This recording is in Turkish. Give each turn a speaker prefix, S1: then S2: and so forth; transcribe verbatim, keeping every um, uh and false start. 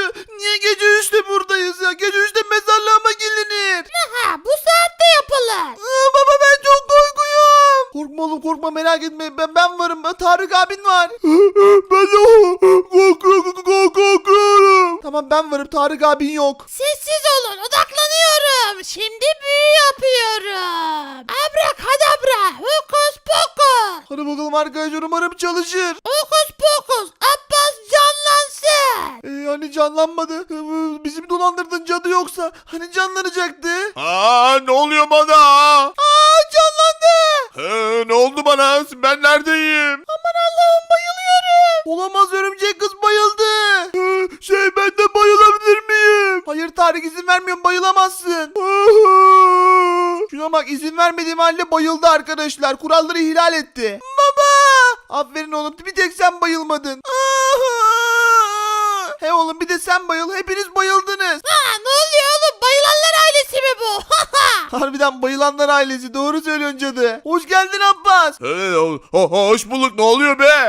S1: Niye gece üçte buradayız ya? Gece üçte mezarlığa mı gelinir?
S2: Ha, bu saatte yapılır.
S1: Aa, baba ben çok korkuyorum. Korkma oğlum korkma merak etme. Ben ben varım. Tarık abin var. Ben de korkuyorum. korkuyorum. Tamam ben varım. Tarık abin yok.
S2: Sessiz olun, odaklanıyorum. Şimdi büyü yapıyorum. Abrakadabra, hokus pokus.
S1: Hadi bakalım arkadaşlar umarım çalışır.
S2: Hokus pokus, Abbas canlansın.
S1: Ee, hani canlanmadı. Ee, Bizim dolandırdığın cadı yoksa. Hani canlanacaktı.
S3: Aa, ne oluyor bana?
S1: Aa canlandı.
S3: Ee, ne oldu bana? Ben neredeyim?
S1: Aman Allah'ım bayılıyorum. Olamaz örümcek kız bayıldı. Ee, şey ben de bayılabilir miyim? Hayır Tarık izin vermiyorum bayılamazsın. Şuna bak izin vermediğim halde bayıldı arkadaşlar. Kuralları ihlal etti. Baba. Aferin oğlum bir tek sen bayılmadın. He oğlum bir de sen bayıl. Hepiniz bayıldınız.
S2: Ha, ne oluyor oğlum? Bayılanlar ailesi mi bu?
S1: Harbiden bayılanlar ailesi doğru söylüyorsun cadı. Hoş geldin Abbas.
S3: Ee, ho- ho- hoş bulduk, ne oluyor be?